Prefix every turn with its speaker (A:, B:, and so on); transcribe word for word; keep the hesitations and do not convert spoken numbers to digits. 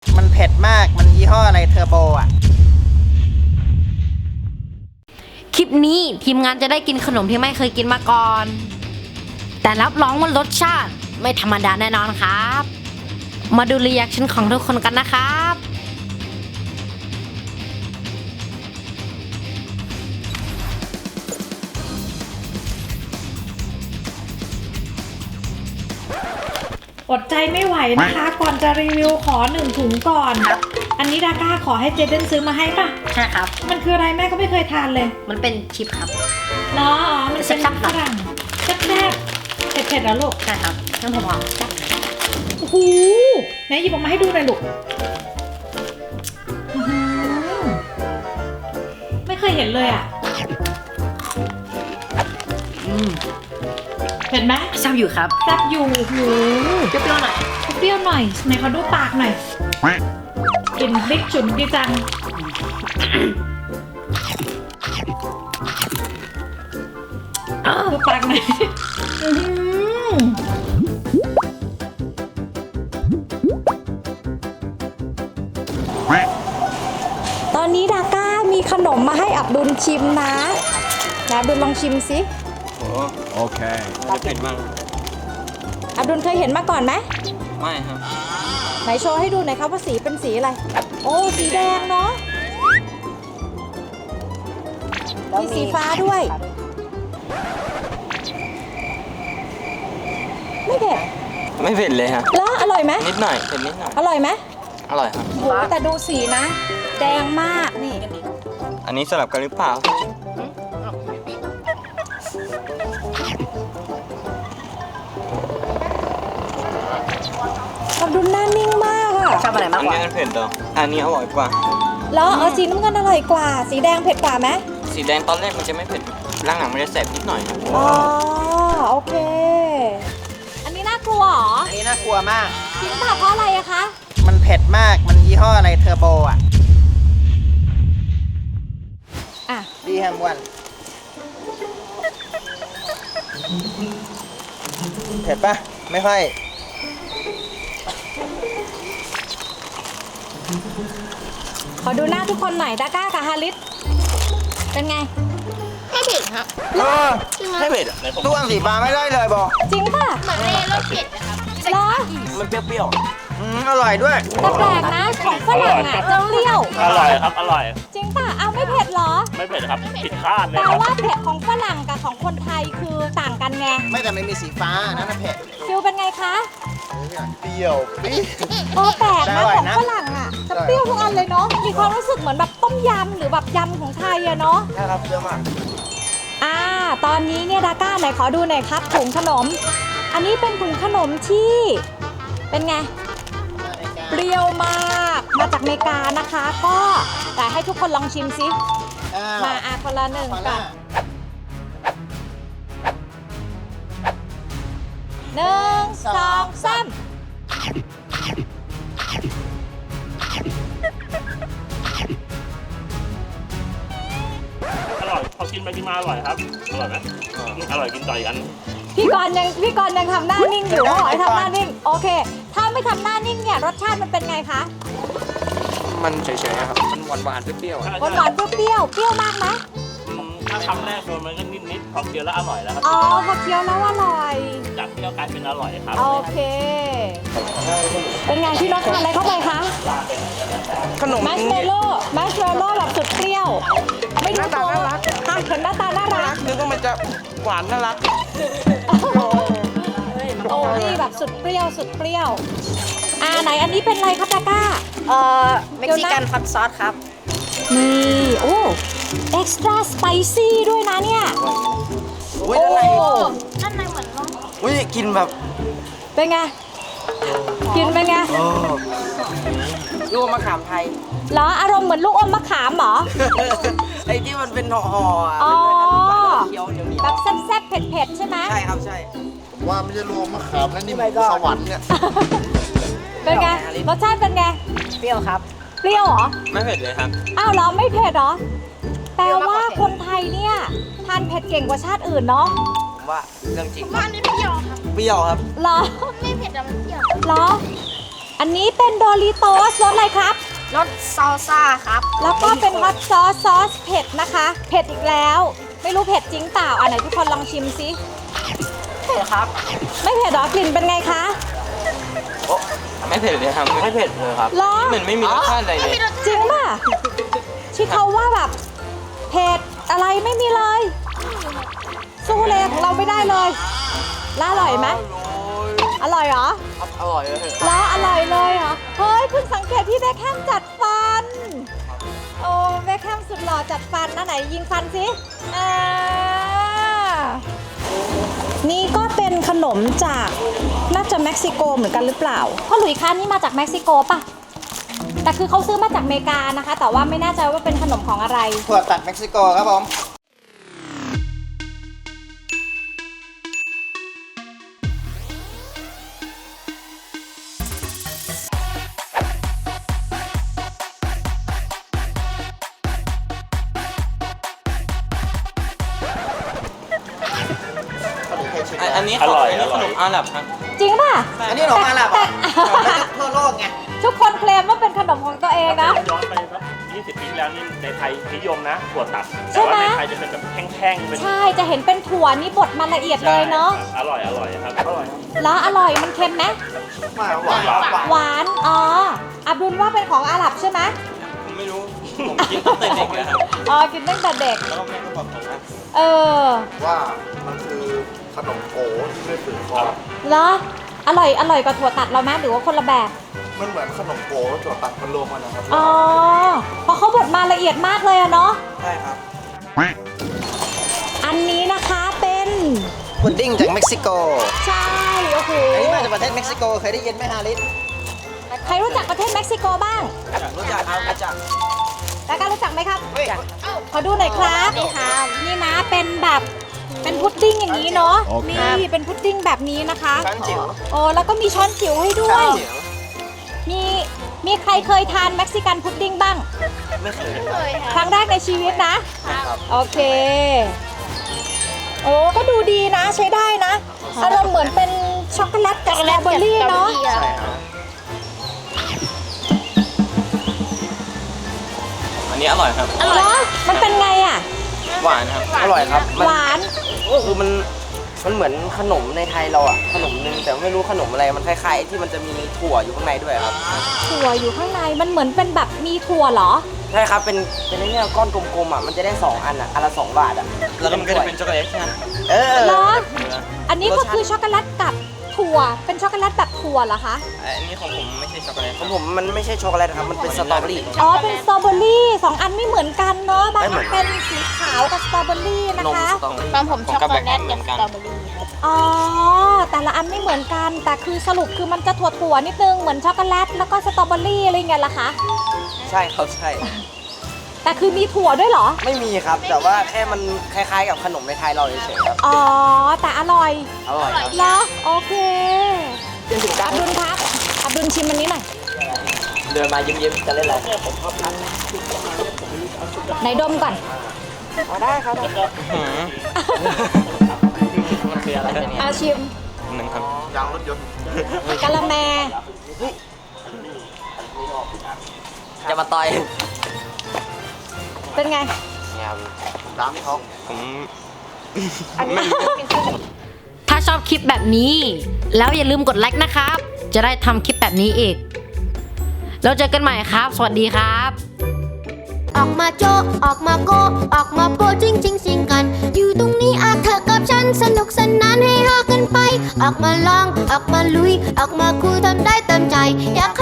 A: มันเผ็ดมากมันยี่ห้ออะไรเทอร์โบอ่ะ
B: คลิปนี้ทีมงานจะได้กินขนมที่ไม่เคยกินมาก่อน แต่รับรองว่ารสชาติไม่ธรรมดาแน่นอนครับ มาดูรีแอคชั่นของทุกคนกันนะครับ
C: อดใจไม่ไหวนะคะ ก่อนจะรีวิวขอหนึ่งถุงก่อนอันนี้ดาก้าขอให้เจเดนซื้อมาให้ป่ะ
B: ใช่ครับ
C: มันคืออะไรแม่ก็ไม่เคยทานเลย
B: มันเป็นชิปครับ
C: เนาะอ๋อมันเป็น
B: แซ่บๆ
C: ฝรั่งแซ่บๆเผ็ดๆแล้วลูก
B: ใช่ครับน้ำผมหอม
C: โอ้โหไหนหยิบออกมาให้ดูหน่อยลูกอื้อหือไม่เคยเห็นเลยอ่ะ
B: อืม
C: เห็นไหม
B: แซ่บอยู่ครับ
C: แซ่บอยู่โอ้โห
B: เปรี้ยวๆหน่อย
C: เปรี้ยวหน่อยไหนขอดูปากหน่อยกลิ่นพริกฉุนดีจังดูปากหน่อยอื้อหือตอนนี้ดาก้ามีขนมมาให้อับดุลชิมนะนะอับดุลลองชิมสิ
D: โอเคจะเผ็ดมาก
C: อับดุลเคยเห็นมาก่อนไหม
D: ไม่ครับ
C: ไหนโชว์ให้ดูหน่อยครับว่าสีเป็นสีอะไร โอ้สีแดงเนาะมีสีฟ้าด้วย ไม่เผ็ด
D: ไม่เผ็ดเลยฮะ
C: แล้วอร่อยไหม
D: นิดหน่อยเผ็ดนิดหน่อย
C: อร่อยไหม
D: อร่อยครับ
C: โหแต่ดูสีนะ แดงมากนี่
D: อันนี้สลับกันหรือเปล่า
C: อับดุลหน้านิ่งมากอะ
B: ชอบอะไรมาก
D: อัน
B: กว่า
D: นี้มันเผ็ดต่ออันนี้อร่อยกว่า
C: แล้วเออสีน้ำเงินอร่อยกว่า สีแดงเผ็ดกว่าไหม
D: สีแดงตอนแรกมันจะไม่เผ็ดร่างหลังมันจะแสบนิดหน่อยครับ
C: อ๋อโอเค อันนี้น่ากลัวเหรอ
A: อันนี้น่ากลัวมาก
C: จริงป่ะเพราะอะไรอะคะ
A: มันเผ็ดมากมันยี่ห้ออะไรเทอร์โบอ่ะ
C: อ่ะ
A: ดีแฮมวันเผ็ดปะไม่ค่อย
C: ขอดูหน้าทุกคนหน่อยดาก้ากับฮาริสเป็นไง
E: ไม่เผ็ดครับ
A: เออ
D: ไม่เผ็ด
A: ตู้อังสีฟ้าไม่ได้เลยบอ
C: จริงป่ะ
E: เหมือนไม่ได้รสเผ็ดนะครับ
C: เหรอ
D: มันเปรี้ยว
A: อืมอร่อยด้วย
C: แต่แปลกนะของฝรั่งอ่ะจะเปรี้ยว
F: อร่อยครับ อร่อย
C: จริงป่ะเอาไม่เผ็ดเหรอ
F: ไม่เผ็ดครับ ผิดคาดเลย
C: แต่
F: ครับ
C: ว่าเผ็ดของฝรั่งกับของคนไทยคือต่างกันไง
A: ไม่แต่ไม่มีสีฟ้าอันนั่นนะเผ็ด
C: ฟิลเป็นไงคะ
A: เปรี้ยวปี๊ด
C: โอ้แปลก
A: แต่
C: นะ
A: อร่อย
C: ของ
A: นะ
C: ฝรั่งอ่ะจะเปรี้ยวทุกอันเลยเนาะมีความรู้สึกเหมือนแบบต้มยำหรือแบบยำของไทยอะเนาะ
A: ใช่ครับเยอะมาก
C: อ่าตอนนี้เนี่ยดาก้าไหนขอดูหน่อยครับถุงขนม อันนี้เป็นถุงขนมที่เป็นไง เปรี้ยวมากมาจากอเมริกานะคะ ก็แต่ให้ทุกคนลองชิมซิมาอาคนละหนึ่งก่อนหนึ่งสองสาม
F: อร่อย พอกินไปกินมาอร่อยครับ อร่อยไหมอร่อยกินต่ออีกอัน
C: พี่กรณ์ยังพี่กรณ์ยังทำหน้านิ่งอยู่เขาบอกให้ทำหน้านิ่งโอเค ถ้าไม่ทำหน้านิ่งเนี่ยรสชาติมันเป็นไงคะ
D: มันเฉยๆครับ มันหวานๆเปรี้ยว
C: หวานหวานๆเปรี้ยวๆเปรี้ยวมากไหม
F: ถ้าคำแรกโดนมันก็นิดๆพอเคี้ยวแล้วอร่อยแล้วครับ
C: อ๋อพอเคี้ยวแล้วอร่อย
F: จากเปรี้ยวกลายเป็นอร่อยครับ
C: โอเค เป็นไงพี่รสทานอะไรเข้าไปคะ
D: ๆขนม
C: มัชเมลโล่มัชเมลโล่แบบสุดเปรี้ยว ไม่รู้ตัวว่าค่ะเห็นหน้าตาน่ารัก
D: นึกว่ามันจะหวานน่ารัก
C: โอ้นี่แบบสุดเปรี้ยวสุดเปรี้ยว อ่าไหนอันนี้เป็นอะไรครับดาก้า
B: เอ่อเม็กซิกันฮอตซอสครับ
C: นี่โอ้เอ็กซ์ตร้าสไปซี่ด้วยนะเนี่ย
D: อุ้ยอะไร
C: โอ้
E: ด้านในเหมือนรส
D: อุ้ยกินแบบ
C: เป็นไง กินเป็นไง
D: ลูกมะขามไทย
C: เหรออารมณ์เหมือนลูกอมมะขามเหรอ
D: ไอ้ที่มันเป็นห่อๆอ่ะ
C: อ๋อ
D: เคี้ยวเหนียว
C: แบบแซ่บๆเผ็ดๆใช่ไหม
D: ๆใช่ครับใช่
A: ว่าไม่ใช่รวมมะขามแล้วนี่มันสวรรค์เนี่ย
C: เป็นไงรสชาติเป็นไง
B: เปรี้ยวครับ
C: เปรี้ยวเหรอ
D: ไม่เผ็ดเลยครับ
C: อ้าวเหรอไม่เผ็ดเหรอ แปลว่าคนไทยเนี่ยทานเผ็ดเก่งกว่าชาติอื่นเนาะ
D: ผมว่าเรื่องจริง
E: ว่าอันนี้เปรี้ยวครับ
D: เปรี้ยวครับ
C: เหรอ
E: ไม่เผ็ดแต่มันเปรี้ยว
C: เหรออันนี้เป็นโดริโตสรสอะไรครับ
E: รสซอลซ่าครับ
C: แล้วก็เป็นฮอตซอสซอสเผ็ดนะคะ เผ็ดอีกแล้ว ไม่รู้เผ็ดจริงเปล่าอ่ะไหนทุกคนลองชิมสิ
D: เผ็ดครับ
C: ไม่เผ็ดหรอกลิ่นเป็นไงคะ
D: โอ้ไม่เผ็ดเลยครับไม่เผ็ดเลยครับ
C: เหรอ
D: เหมือนไม่มีรสชาติอะไรเลย
C: จริงป่ะที่เขาว่าแบบเผ็ดอะไรไม่มีเลย สู้เลยของเราไม่ได้เลยแล้วอร่อยไหมอร่อยเหรอ
D: อร่อยเลย
C: แล้วอร่อยเลยเหรอ เฮ้ยเพิ่งสังเกตที่เบคแฮมจัดฟัน โอ้เบคแฮมสุดหล่อจัดฟันนะไหนยิงฟันสิอ่านี่ก็เป็นขนมจากน่าจะเม็กซิโกเหมือนกันหรือเปล่าพ่อหลุยคะนี่มาจากเม็กซิโกป่ะ แต่คือเขาซื้อมาจากอเมริกานะคะ แต่ว่าไม่แน่ใจว่าเป็นขนมของอะไร
A: ถั่วตัดเม็กซิโกครับผม
D: อันนี้ของอันนี้ขนมอาหรับครับ
C: จริงป่ะ
A: อันนี้ขนมอาหรับเหรอของทั่วโลกไง
C: ทุกคนเคลมว่าเป็นขนมของตัวเองนะ
F: ย้อนไปสักยี่สิบปีที่แล้วนี่ในไทยนิยมนะถั่วตัด
C: ใช่
F: แต่
C: ไหม
F: ว่าในไทยจะเป็นแบบแห้งๆเป็น
C: ใช่ จะเห็นเป็นถั่วนี่บดมาละเอียดเลยเนาะ
F: อร่อยอร่อยครับอร่อยครับ
C: แล้วอร่อยมันเค็มไหม
A: หวานหวานหวานหวาน
C: หวาน อ๋อ อับดุลว่าเป็นของอาหรับใช่ไหม
D: ผมไม่รู้ ผมกินตั้งแต่เด็กเลยครับ
C: อ๋อ กินตั้งแต่เด็ก
D: แล้วก็แม่ก็บอกผมว่า
C: เออ
A: ว่ามันคือขนมโกที่ไม่ฝืนคอ
C: แล้วอร่อย อร่อยกว่าถั่วตัดเราไหมหรือว่าคนละแบบ
A: มันเหมือนขนมโกแล้วถั่วตัดมันรวมกันนะครับ
C: อ๋อ เพราะเขาบดมาละเอียดมากเลยอะเนาะ
A: ใช่ครับ
C: อันนี้นะคะเป็น
A: พุดดิ้งจากเม็กซิโก
C: ใช่ โอ้โห
A: อันนี้มาจากประเทศเม็กซิโกเคยได้ยินไหมฮาริส
C: ใครรู้จักประเทศเม็กซิโกบ้าง
A: รู้จักครับรู้จัก
C: แล้วก็รู้จักไหมครับ
A: เฮ้ย
C: ขอดูหน่อยครับ
E: นี่ครับ
C: นี่นะ เป็นแบบ เป็นพุดดิ้งอย่างนี้เนาะ นี่ เป็นพุดดิ้งแบบนี้นะคะ
A: ช้อนจิ๋ว
C: โอ้แล้วก็มีช้อนจิ๋วให้ด้ว
A: ช้อย นจิ๋ว
C: มี มีใครเคยทานเม็กซิกันพุดดิ้งบ้าง
A: ไม่เคย
E: เคย
C: ค
E: ค่ะ
C: รั้งแรกในชีวิตนะ
A: ครับ
C: โอเค โอ้ก็ดูดีนะใช้ได้นะอารมณ์เหมือนเป็นช็อกโกแลตกับสตรอเบอรี่เนาะ
A: ใช่ครับ
D: อันนี้อร่อยครับ
C: เหรอมันเป็นไงอ่ะ
D: หวานครับ
G: อร่อยครับ มัน
C: หวาน
G: คือมันมันเหมือนขนมในไทยเราอะขนมนึงแต่ไม่รู้ขนมอะไรมันคล้ายๆ ที่มันจะมีถั่วอยู่ข้างในด้วยครับ
C: ถั่วอยู่ข้างในมันเหมือนเป็นแบบมีถั่วเหรอ
G: ใช่ครับเป็นเป็นไอ้เนี่ยก้อนกลมๆอะมันจะได้สองอันอะอันละสองบาทอะ
D: แล้วก็มันก็จะเป็นช็อกโกแลตใช่ไหม
G: เออ
C: เหรอ อันนี้ก็คือช็อกโกแลตกับถั่ว เป็นช็อกโกแลตแบบถั่วเหรอคะ
D: อันนี้ของผมไม่ใช่ช็อกโกแลต
G: ของผมมันไม่ใช่ช็อกโกแลตครับมันเป็นสตรอเบอรี่
C: อ๋อ เป็นสตรอเบอรี่สองอันไม่เหมือนกันเนาะบาง
G: ไม่เหมื
C: อั
G: อน น
C: เป็นสีขาวกับสตรอเบอรี่นะ
G: นม
C: คะ
G: สตรอเบอรี่
E: ตอนผมช็อกโกแลตกับสตรอเบอรี่ครับ
C: อ๋อ แต่ละอันไม่เหมือนกัน แต่คือสรุปคือมันจะถั่วๆนิดนึง เหมือนช็อกโกแลตแล้วก็สตรอเบอรี่อะไรเงี้ยล่ะคะ
G: ใช่ครับใช่
C: แต่คือมีถั่วด้วยเหรอ
G: ไม่มีครับ แต่ว่าแค่มันคล้ายๆ กับขนมในไทยเราเฉยๆครับ
C: อ๋อ แต่อร่อย
G: อร่อยครับ
C: เหรอโอเคอับดุลครับอับดุลชิมอันนี้หน่อย
G: เดินมายิ้มๆจะเล่นอะไร
C: ไหนดมก่อน
G: อ๋อได้ครับ
D: หืมมันคืออะไรเนี่ย
C: อาชิม
D: หนึ่งครับ
A: ยางรถยนต์
C: กะละแม
G: จะมาต่อย
C: เป็นไง
G: เนี่ยครับ
A: น้ำที่เขา
D: ผม
B: ถ้าชอบคลิปแบบนี้ แล้วอย่าลืมกดไลค์นะครับ จะได้ทำคลิปแบบนี้อีก แล้วเจอกันใหม่ครับ สวัสดีครับ
H: ออกมาโจะออกมาโกะออกมาโปะจริงจริงสิงกัน อยู่ตรงนี้อาเธอกับฉันสนุกสนานให้ฮากันไป ออกมาลอง ออกมาลุย ออกมาคุยทำได้เต็มใจ อยาก